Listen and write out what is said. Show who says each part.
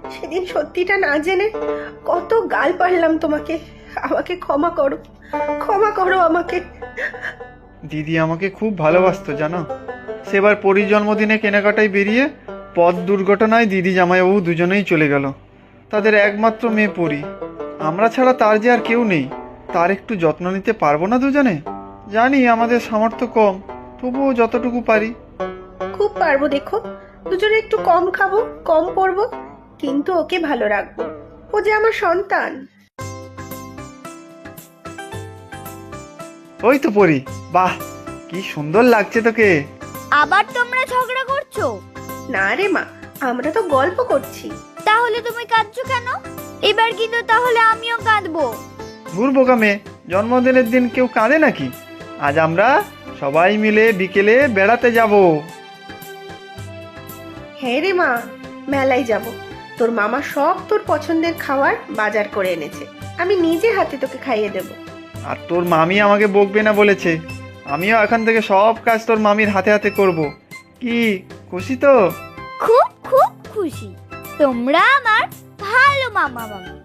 Speaker 1: সেদিন সত্যিটা না জেনে কত গাল পারলাম তোমাকে। আমাকে ক্ষমা করো, ক্ষমা করো আমাকে।
Speaker 2: দিদি আমাকে খুব ভালোবাসতো জানো। সেবার পরীর জন্মদিনে কেনাকাটায় বেরিয়ে পথ দুর্ঘটনায় দিদি জামাইবাবু দুজনেই চলে গেল। তাদের একমাত্র মেয়ে পরী। আমরা ছাড়া তার যে আর কেউ নেই। তার একটু যত্ন নিতে পারবো না দুজনে? জানি আমাদের সামর্থ্য কম, তবুও যতটুকু পারি।
Speaker 1: খুব পারবো, দেখো দুজনে একটু কম খাবো, কম পরবো, কিন্তু ওকে ভালো রাখবো। ও যে আমার সন্তান।
Speaker 2: ওই তো পরী, বাহ কি সুন্দর লাগছে তোকে।
Speaker 3: আবার তোমরা ঝগড়া করছো?
Speaker 1: না রে মা, আমরা তো গল্প করছি।
Speaker 3: তাহলে তুমি কাঁদছো কেন? এবার কিন্তু তাহলে আমিও কাঁদবো।
Speaker 2: ধুর বোকা মেয়ে, জন্মদিনের দিন কেউ কাঁদে নাকি? আজ আমরা সবাই মিলে বিকেলে বেড়াতে যাব।
Speaker 1: হ্যাঁ রে মা, মেলায় যাব। তোর মামা সব তোর পছন্দের খাবার বাজার করে এনেছে, আমি নিজে হাতে তোকে খাইয়ে দেব।
Speaker 2: আর তোর মামি আমাকে বকবে না বলেছে। আমিও এখন থেকে সব কাজ তোর মামির হাতে হাতে করব। কি খুশি তো?
Speaker 3: খুব খুব খুশি। তোমরা আমার ভালো মামা মামি।